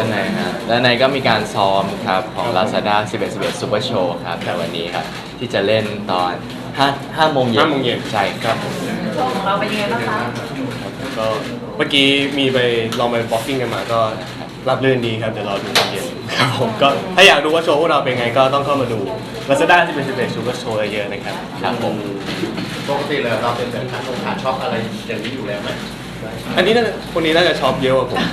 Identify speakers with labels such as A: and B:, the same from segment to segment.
A: านในฮะด้านในก็มีการซ้อมครับของ Lazada 11 Super Show ครับแต่วันนี้ครับที่จะเล่นตอน5โมงเย็น
B: 5 โมงเย็น
A: ใช่ครับ
C: โชว์ของเราเป็นยังไงบ้างคะ
B: ก็เมื่อกี้มีไปลองไปบ็อกกิ้งกันมาก็รับรื่นดีครับเดี๋ยวรอดูตอนเย็นครับผมก็ถ้าอยากดูว่าโชว์พวกเราเป็นไงก็ต้องเข้ามาดู Lazada 11 Super Show เยอะๆนะครับ
A: ครับผม
D: ปกติเลยเราเป็นแบบขาช็อปอะไรอย่างนี้อยู่แล้วไหม
B: อันนี้คนนี้น่าจะช็อปเยอะกว่าผม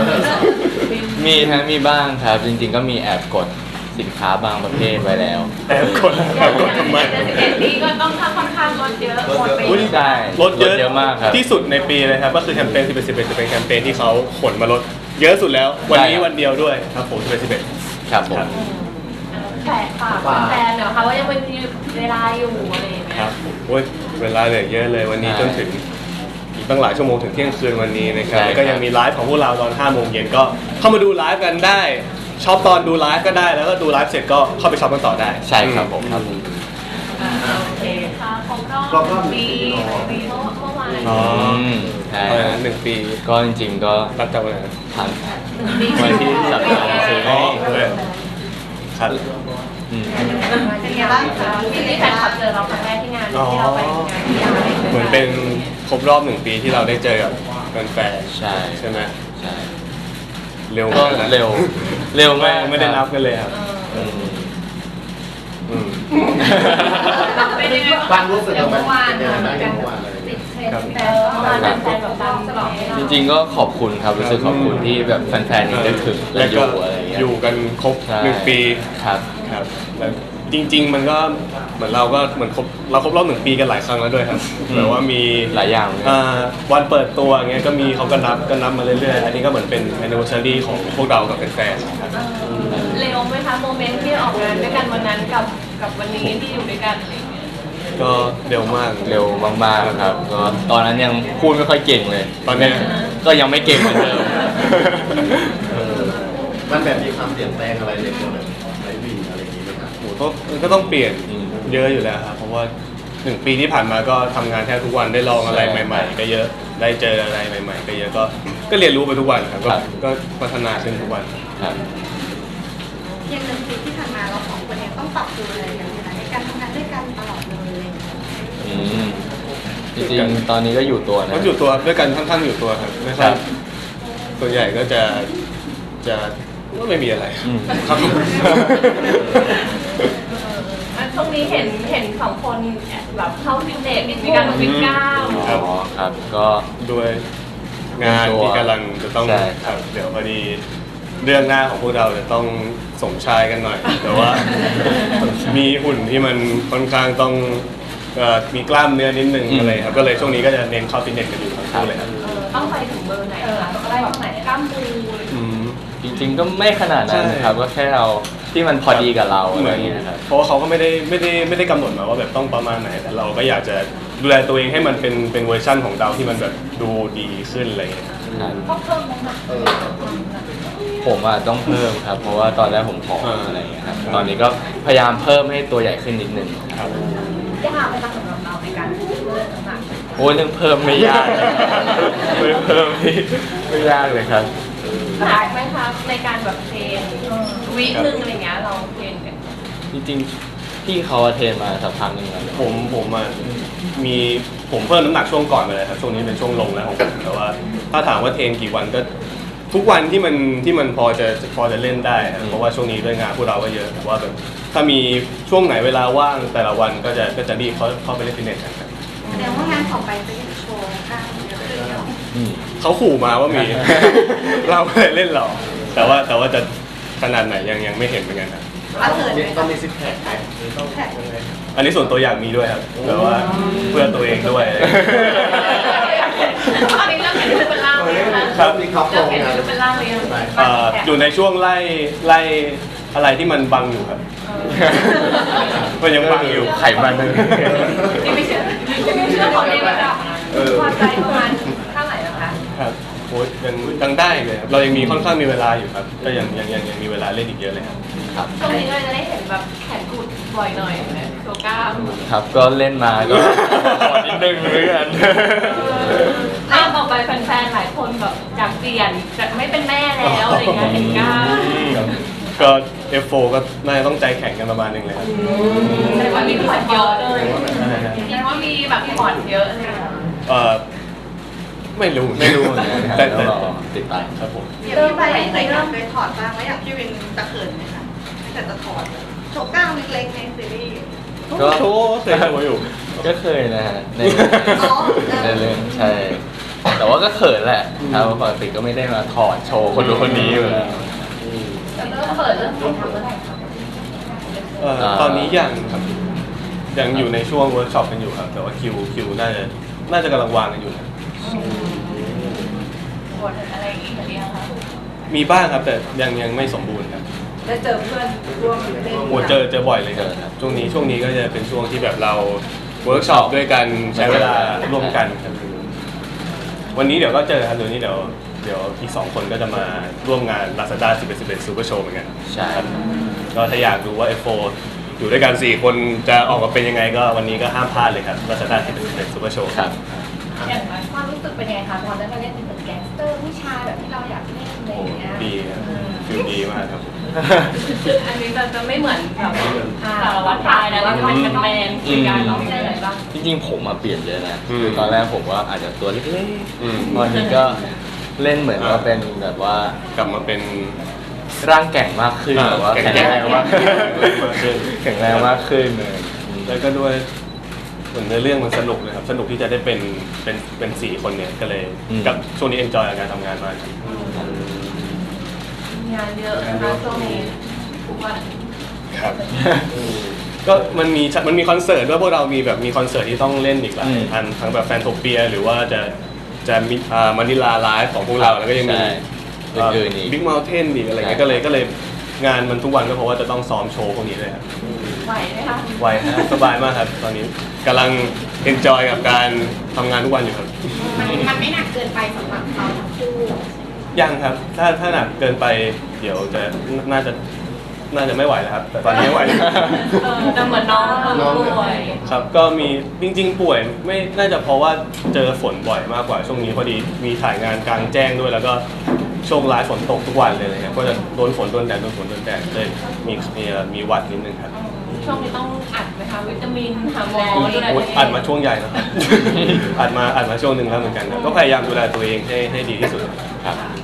A: มีบ้างครับจริงๆก็มีแอบกดสินค้าบางประเภทไว้แล้ว
B: แอบกดทำไม
C: แต่11 ปีก็ต้องค่อนข้างลดเยอะหมดไป
B: อุ๊ย
A: ได้
B: ลดเยอะ
A: มากครับ
B: ที่สุดในปีเลยครับก็คือแคมเปญ11จะเป็นแคมเปญที่เขาขนมาลดเยอะสุดแล้ววันนี้วันเดียวด้วยครับผม11
A: ครับผม
C: แต่ฝากแฟนๆเนาะค่ะว่ายังเป็นเวลาอยู่อะไรอย่างเงี้
B: ครั
C: ย
B: บโอ้ยเวลาเหลือเยอะเลยวันนี้จนถึงอีกตั้งหลายชั่วโมงถึงเที่ยงคืนวันนี้นะครับแล้วก็ยังมีไลฟ์ของพวกเราตอน5 โมงเย็นก็เข้ามาดูไลฟ์กันได้ช็อปตอนดูไลฟ์ก็ได้แล้วก็ดูไลฟ์เสร็จก็เข้าไปช็อปกันต่อได้
A: ใช่ครับผม
C: โอเคค่ะของรอบปีเมื่อวาน
B: อ๋อ
A: ใช่
B: อะไรนะ1 ปี
A: ก็จริงๆก็
B: รับจากวันไหน
A: ผ่านวันที่สัปดาห์ซื้อ
B: อ๋
A: ให้
B: อครับ
A: อืม
C: เป็นไงบ้างคะที่แฟนคลับเจอเราครั้งแรกที่งานที่เราไปงานที่ยา
B: เหมือนเป็นครบรอบ1 ปีที่เราได้เจอกับแฟนๆ
A: ใช่
B: ใช่ไหม
A: ใช่
B: เร็ว
A: ก็
B: มากนะ
A: เร็วมาก
B: ไม่ได้นับกันเลยครับ
A: อืม
B: อืม
C: เป็นยังไง
D: บ้างรู้สึก
C: เดี๋ยว
D: ไหม
C: เมื่อวาน
D: เป็นยังไงบ้าง
C: กัน
D: เมื่อวานเลย
C: ติดเทรนด์แต่เมื่อวานเป็นแฟนแบบตามตลอด
A: จริงๆก็ขอบคุณครับรู้สึกขอบคุณที่แบบแฟนๆยังได้ถึงและอยู่อะไรอย่างเงี้ย
B: อยู่กันครบ
A: ใช่
B: 1 ปี
A: ครับ
B: ครับแล้วจริง ๆ มันก็เหมือนเราก็เหมือนเราครบรอบ1 ปีกันหลายครั้งแล้วด้วยครับแบบว่ามี
A: หลายอย่างเลย
B: วันเปิดตัวอย่างเงี้ยก็มีเขาก็นับมาเรื่อยๆอันนี้ก็เหมือนเป็น anniversary ของพวกเรากับแฟนๆครับ
C: เร็วไหมคะโมเมนต์ที่ออกงานด้วยกันวันนั้นกับวันนี้ที่อยู่ด้วยกันอะไรอย่างเงี้ย
B: ก็เร็วมาก
A: เร็วมากๆครับก็ตอนนั้นยังพูดไม่ค่อยเก่งเลย
B: ตอนเนี้ย
A: ก็ยังไม่เก่งเหมือนเดิม
D: มันแบบมีความเปลี่ยนแปลงอะไรในตัวแบบไลฟ์วีอะไรอย่างนี้ไหมครับ
B: โหก็ต้องเปลี่ยนเยอะอยู่แล้วครับเพราะว่า1 ปีที่ผ่านมาก็ทำงานแทบทุกวันได้ลองอะไรใหม่ ๆ ก็เยอะได้เจออะไรใหม่ ๆ ก็เยอะก็เรียนรู้ไปทุกวันครับก็พัฒนาขึ้นทุกวัน
A: ครับ
E: อย่าง1 ปีที่ผ่านมาเรา2 คนเนี่ยต้องปรับตัวอะไรกันนะคะในการทำงานด้วยกันตลอดเลยอะไรอย่างเงี้ย
A: อืมจริงๆตอนนี้ก็อยู่ตัวนะ
B: ก็อยู่ตัวด้วยกันค่อนข้างอยู่ตัวครับไม่ค่
A: ค
B: อย
A: รับ
B: ส่วนใหญ่ก็จะก็ไม่มีอะไร
A: อืม
B: ครับ
C: ช่วงนี้เห็นสองคนแบบเข้าฟิตเนสมีการวิ่งก้าว
B: ครับ
A: อ๋อครับก็
B: ด้วยงานที่กำลังจะต้อง
A: ใช่
B: ครับเดี๋ยวพอดีเรื่องหน้าของพวกเราจะต้องสมชายกันหน่อย แต่ว่า มีหุ่นที่มันค่อนข้างต้องมีกล้ามเนื้อนิดนึงอะไรครับก็เลยช่วงนี้ก็จะเน้นเข้าฟิตเนสกันอยู่ทั้งคู่เลยครับ
C: ต้องไปถึงเบอร์ไหนคะต้องได้แบบไหนกล้ามปู
B: อืม
A: จริงๆก็ไม่ขนาดนั้น
B: ใช่
A: ครับก็แค่เอาที่มันพอดีกับเราอะ
B: เห
A: ไร
B: มือน
A: อย่างเงี้ยครับ
B: เพราะว่าเขาก็ไม่ได้กำหนดมาว่าแบบต้องประมาณไหน แต่เราก็อยากจะดูแลตัวเองให้มันเป็นเวอร์ชั่นของเราที่มันแบบดูดีขึ้นอะไรอย่างเงี้ย
A: ครับ
C: ก็เพิ่มน้ำหนัก
A: ผมอ่ะต้องเพิ่มครับ เพราะว่าตอนแรกผมผอมอะไรอย่างเงี้ยครับตอนนี้ก็พยายามเพิ่มให้ตัวใหญ่ขึ้นนิดนึง
B: ครับ
C: ยากไหมคะสำหรับเราในการเพิ่มน้ำหนัก
A: โอ้ยเรื่องเพิ่มไม่ยากเลยเรื่องเพิ่มนี่ไม่ยากเลยครับ
C: หนักไหมคะในการแบบเทรนวิหนึ่งอะไรเงี้ยเราเทรนกัน
A: จริงๆพี่เขาเทรนมาสักพักหนึงแล้ว
B: ผมอ่ะผมเพิ่มน้ำหนักช่วงก่อนไปเลยครับช่วงนี้เป็นช่วงลงแล้วของผมแต่ว่าถ้าถามว่าเทรนกี่วันก็ทุกวันที่มันพอจะเล่นได้ครับเพราะว่าช่วงนี้ด้วยงานพวกเราก็เยอะแต่ว่าแบบถ้ามีช่วงไหนเวลาว่างแต่ละวันก็จะรีบเข้าไปเล่นฟิตเนสกันครับ
E: แสดงว่างานต่อไปจะยังโชว์กล้ามเยอะขึ้นเนาะ
A: อืม
B: เขาขู่มาว่ามี เราไม่ได้เล่นหรอกแต่ว่าจะขนาดไหนยังไม่เห็นเหมือนกันครับ
D: ต้องมีซิกแพคไหมต้องแพคยังไง
B: อันนี้ส่วนตัวอยากมีด้วยครับแต่ว่าเพื่อตัวเองด้วย
C: ตอนนี้เริ่มเห็นรูปเป็นร่างเลยนะคะ
B: ครับ
D: มีครับโคร
C: เริ่ม
D: ง
C: เห็น
D: งาน
C: รูปเป็นร่างเลย
B: อยู่ในช่วงไล่อะไรที่มันบังอยู่ครับ มันยังบังอยู่
A: ไขมันเลย
C: ที่ไม่เชื่อของเองระดับพอใจประมาณเท่าไหร่นะคะ
B: ครับโอ้ยยังได้เลยครับเรายังมีค่อนข้างมีเวลาอยู่ครับก็ยังมีเวลาเล่นอีกเยอะเลยครับ
A: ครับ
C: ช่วงนี้ก็จะได้เห็นแบบแขนกุดบ่อยหน่อยนะตัวกล้าม
A: ครับก็เล่นมาก็ขอนิดนึงเหมือนกัน
C: หน้าต่อไปแฟนๆหลายคนแบบอยากเปลี่ยนจากไม่เป็นแม่แล้วอะไรอย่างเงี้ยเห็นกล้า
B: ก็ F4 ก็น่าจะต้องใจแข็งกันประมาณหนึงเลยครับ
C: แต่ว่ามีผ่อนเยอะเลย
B: อะไรนะ
C: แต่ว่ามีแบบผ่อนเยอะเลย
B: ไม่รู้
A: ไม่รู้เหมือนกันครับ
B: แต่
A: แล้วรอติดตาม
B: ครับผม
E: เริ่มไปเคยถอดบ้างแล้วอยากพี่วินจะเขินไหมคะแต่จะถอดโชว์กล้ามเล็กๆในซีรีส์
A: ก็
B: โชว์เคยโชว์อยู่
A: ก็เคยนะฮะใน
E: อ๋อ
A: ในเรื่องใช่ แต่ว่าก็เขินแหละครับปกติก็ไม่ได้มาถอดโชว์คนดูคนนี้อยู่แล้ว
C: จะเริ่มเปิดเริ่มถ่ายทำเมื่อไหร่คะ
B: ตอนนี้ยังอยู่ในช่วงเวิร์กช็อปกันอยู่ครับ แต่ว่าคิวน่าจะกำลังวางกันอยู่ครับ
C: บทอะไรอย่างงี้หรือยังคะ
B: มีบ้างครับแต่ยังไม่สมบูรณ์ครับ
C: ได้เจอเพื่อนร่วมเล่น
B: โอ้เจอบ่อยเลยครับช่วงนี้ก็จะเป็นช่วงที่แบบเราเวิร์กช็อปด้วยกันใช้เวลาร่วมกันครับวันนี้เดี๋ยวก็เจอครับเดี๋ยวอีก2 คนก็จะมาร่วมงาน Lazada 11 Super Show เหมือนกัน
A: ใช่
B: ครับก็ถ้าอยากดูว่า F4 อยู่ด้วยกัน4 คนจะออกมาเป็นยังไงก็วันนี้ก็ห้ามพลาดเลยครับ Lazada 11 Super Show
A: ครับ
C: อย่างความรู้สึกเป็นยังไงคะพอได้มาเล่นเป็นเหมือนแก๊งสเตอร์ผู้ชายแบบที่เราอยากเล่นอะไร
B: โอ้
C: อย่างเงี้ย
B: ดีครับฟิลดีมากครับ
C: อันนี้จะไม่เหมือนแบบสารวัตรชายนะแล้วก็เป็นแมนคุยกันเราไม่ได้อะไรบ้าง
A: จริงๆผมมาเปลี่ยนเยอะนะ
B: อืม
A: คือตอนแรกผมว่าอาจจะตัวเล็ก
B: อืม
A: ๆตอนนี้ก็เล่นเหมือนว่าเป็นแบบว่าก
B: ลับมาเป็น
A: ร่างแก่งมากขึ้นแบบว่า
B: แข็
A: แข็
B: ง
A: ง
B: แร
A: แรง ง
B: มาม
A: าก ก
B: ขึ้น
A: แข็งแรงมากขึ้นเลย
B: แล้วก็ด้วยเหมือนเนื้อเรื่องมันสนุกเลยครับสนุกที่จะได้เป็น4 คนเนี่ยก็เลยกับช่วงนี้เอนจอยกับการทำงานมากครับ
C: งานเยอะนะคะช่วงนี้ทุกวัน
B: ครับ ก็มันมีคอนเสิร์ตด้วยพวกเรามีคอนเสิร์ตที่ต้องเล่นอีกหลายอันทั้งแบบแฟนโทเปียหรือว่าจะมีมานิลาไลฟ์ของพวกเราแล้วก็ยังมี
A: ใช่อื่นๆอีก
B: บิ๊กเมลเทนอีกอะไรเงี้ย
A: ใช่
B: ก็เลยงานมันทุกวันก็เพราะว่าจะต้องซ้อมโชว์พวกนี้เลยครับ
C: ไหวไหมคะ
B: ไวครับสบายมากครับตอนนี้กำลังเอนจอยกับการทำงานทุกวันอยู่ครับ
E: มันไม่หนักเกินไปสำหรับเขาทั้งคู่
B: ยังครับถ้าหนักเกินไปเดี๋ยวจะน่าจะไม่ไหวแล้วครับ แต่ตอนนี้ไม่ไหว
C: แต่เหมือนน้องป่วย
B: ครับก็มีจริงๆป่วยไม่น่าจะเพราะว่าเจอฝนบ่อยมากกว่าช่วงนี้พอดีมีถ่ายงานกลางแจ้งด้วยแล้วก็ช่วงไลฟ์ฝนตกทุกวันเลยนะครับก็จะโดนฝนโดนแดดเลยมีหวัดนิดนึงครับ
C: ช่วงนี้ต้องอัดไหมคะวิตามินหาหมอดูแล
B: โอ้
C: ตัวเอง
B: อัดมาช่วงใหญ่นะครับ อัดมาช่วงหนึ่งแล้วเหมือนกันครับก็พยายามดูแลตัวเองให้ดีที่สุดครับ